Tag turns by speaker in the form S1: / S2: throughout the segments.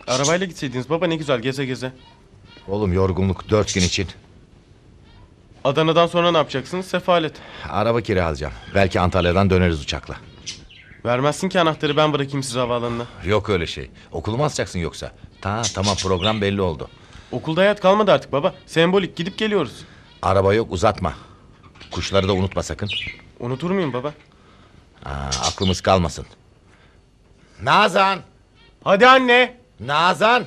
S1: Arabayla gitseydiniz baba, ne güzel geze geze.
S2: Oğlum yorgunluk 4 gün için.
S1: Adana'dan sonra ne yapacaksınız? Sefalet.
S2: Araba kiralayacağım. Belki Antalya'dan döneriz uçakla.
S1: Vermezsin ki anahtarı, ben bırakayım sizi havaalanına.
S2: Yok öyle şey. Okulu mu asacaksın yoksa? Tamam program belli oldu.
S1: Okulda hayat kalmadı artık baba. Sembolik, gidip geliyoruz.
S2: Araba yok, uzatma. Kuşları da unutma sakın.
S1: Unutur muyum baba?
S2: Aklımız kalmasın. Nazan!
S1: Hadi anne.
S2: Nazan!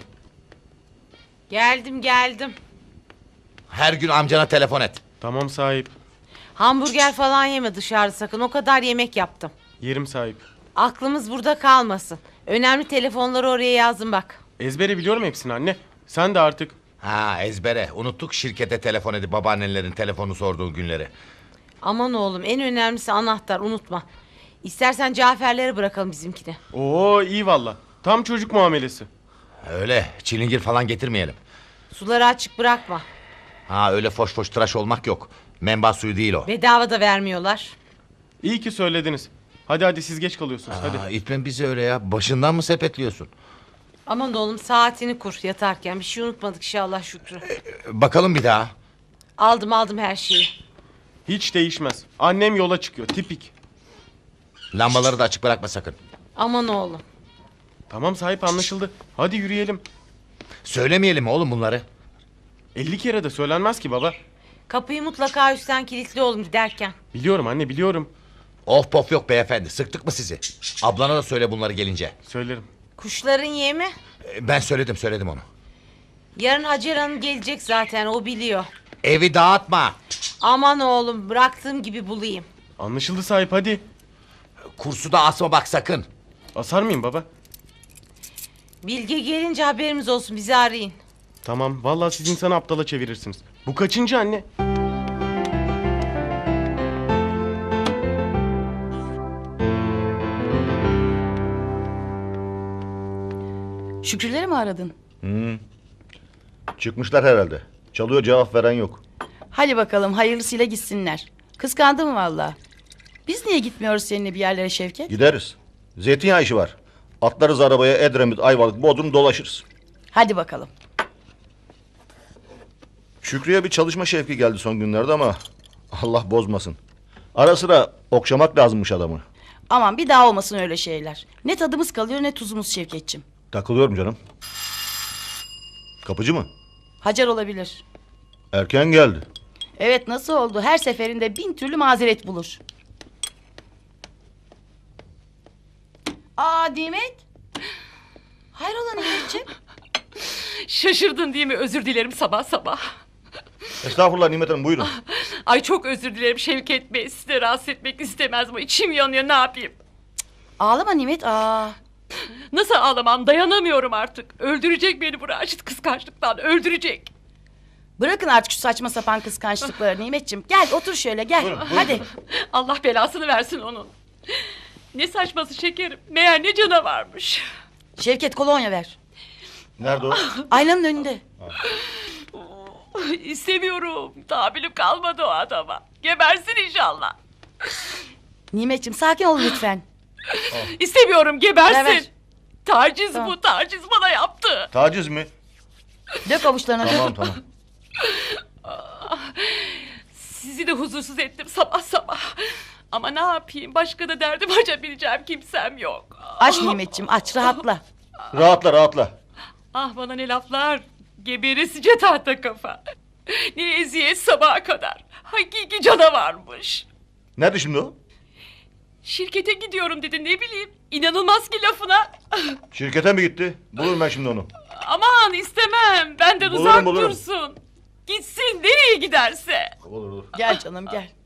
S3: Geldim.
S2: Her gün amcana telefon et.
S1: Tamam sahip.
S3: Hamburger falan yeme dışarıda sakın. O kadar yemek yaptım.
S1: Yerim sahip.
S3: Aklımız burada kalmasın. Önemli telefonları oraya yazın bak.
S1: Ezbere biliyorum hepsini anne. Sen de artık.
S2: Ezbere. Unuttuk şirkete telefon edip babaannelerin telefonu sorduğu günleri.
S3: Aman oğlum, en önemlisi anahtar, unutma. İstersen Cafer'lere bırakalım bizimkini.
S1: Oo iyi valla. Tam çocuk muamelesi.
S2: Öyle çilingir falan getirmeyelim.
S3: Suları açık bırakma.
S2: Öyle foş foş tıraş olmak yok. Menba suyu değil o.
S3: Bedava da vermiyorlar.
S1: İyi ki söylediniz. Hadi siz geç kalıyorsunuz hadi.
S2: İtme bizi öyle ya. Başından mı sepetliyorsun?
S3: Aman oğlum, saatini kur yatarken. Bir şey unutmadık inşallah Şükrü.
S2: Bakalım bir daha.
S3: Aldım her şeyi.
S1: Hiç değişmez. Annem yola çıkıyor, tipik.
S2: Lambaları da açık bırakma sakın.
S3: Aman oğlum.
S1: Tamam sahip, anlaşıldı. Hadi yürüyelim.
S2: Söylemeyelim oğlum bunları.
S1: 50 kere de söylenmez ki baba.
S3: Kapıyı mutlaka üstten kilitli oğlum giderken.
S1: Biliyorum anne, biliyorum.
S2: Of pof yok beyefendi. Sıktık mı sizi? Ablana da söyle bunları gelince.
S1: Söylerim.
S3: Kuşların yemi.
S2: Ben söyledim onu.
S3: Yarın Hacer Hanım gelecek zaten, o biliyor.
S2: Evi dağıtma.
S3: Aman oğlum, bıraktığım gibi bulayım.
S1: Anlaşıldı sahip, hadi.
S2: Kursu da asma bak sakın.
S1: Asar mıyım baba?
S3: Bilge gelince haberimiz olsun, bizi arayın.
S1: Tamam, vallahi siz insanı aptala çevirirsiniz. Bu kaçıncı anne?
S4: Şükrüleri mi aradın?
S5: Çıkmışlar herhalde. Çalıyor, cevap veren yok.
S4: Hadi bakalım hayırlısıyla gitsinler. Kıskandım valla. Biz niye gitmiyoruz seninle bir yerlere Şevket?
S5: Gideriz. Zeytinyağı işi var. Atlarız arabaya, Edremit, Ayvalık, Bodrum dolaşırız.
S4: Hadi bakalım.
S5: Şükrü'ye bir çalışma şevki geldi son günlerde ama Allah bozmasın. Ara sıra okşamak lazımmış adamı.
S4: Aman bir daha olmasın öyle şeyler. Ne tadımız kalıyor ne tuzumuz Şevketçim.
S5: Takılıyorum canım. Kapıcı mı?
S4: Hacer olabilir.
S5: Erken geldi.
S4: Evet, nasıl oldu? Her seferinde 1000 türlü mazeret bulur. Nimet. Hayrola Nimetciğim?
S6: Şaşırdın değil mi? Özür dilerim sabah sabah.
S5: Estağfurullah Nimet Hanım, buyurun.
S6: Ay çok özür dilerim Şevket Bey. Sizi de rahatsız etmek istemez ama içim yanıyor, ne yapayım?
S4: Ağlama Nimet.
S6: Nasıl ağlamam, dayanamıyorum artık. Öldürecek beni bu Raşit kıskançlıktan, öldürecek.
S4: Bırakın artık şu saçma sapan kıskançlıkları Nimetciğim. Gel otur şöyle gel.
S5: Buyurun.
S4: Hadi.
S6: Allah belasını versin onun. Ne saçması şekerim. Meğer ne canavarmış.
S4: Şevket kolonya ver.
S5: Nerede o?
S4: Aynanın önünde.
S6: İstemiyorum. Tahammülüm kalmadı o adama. Gebersin inşallah.
S4: Nimetciğim sakin ol lütfen.
S6: İstemiyorum, gebersin.
S4: Ver.
S6: Taciz
S4: Tamam.
S6: bu, taciz bana yaptı.
S5: Taciz mi?
S4: Dök avuçlarına dök.
S5: Tamam.
S6: Sizi de huzursuz ettim sabah sabah. Ama ne yapayım, başka da derdim açabileceğim kimsem yok.
S4: Aç Nimetciğim aç rahatla.
S5: Rahatla.
S6: Ah bana ne laflar. Geberesice tahta kafa. Ne eziyet sabaha kadar. Hakiki canavarmış.
S5: Nerede şimdi o?
S6: Şirkete gidiyorum dedi, ne bileyim. İnanılmaz ki lafına.
S5: Şirkete mi gitti? Bulurum ben şimdi onu.
S6: Aman istemem. Benden
S5: Bulurum,
S6: uzak
S5: bulurum.
S6: dursun. Gitsin nereye giderse.
S5: Olur.
S4: Gel canım gel.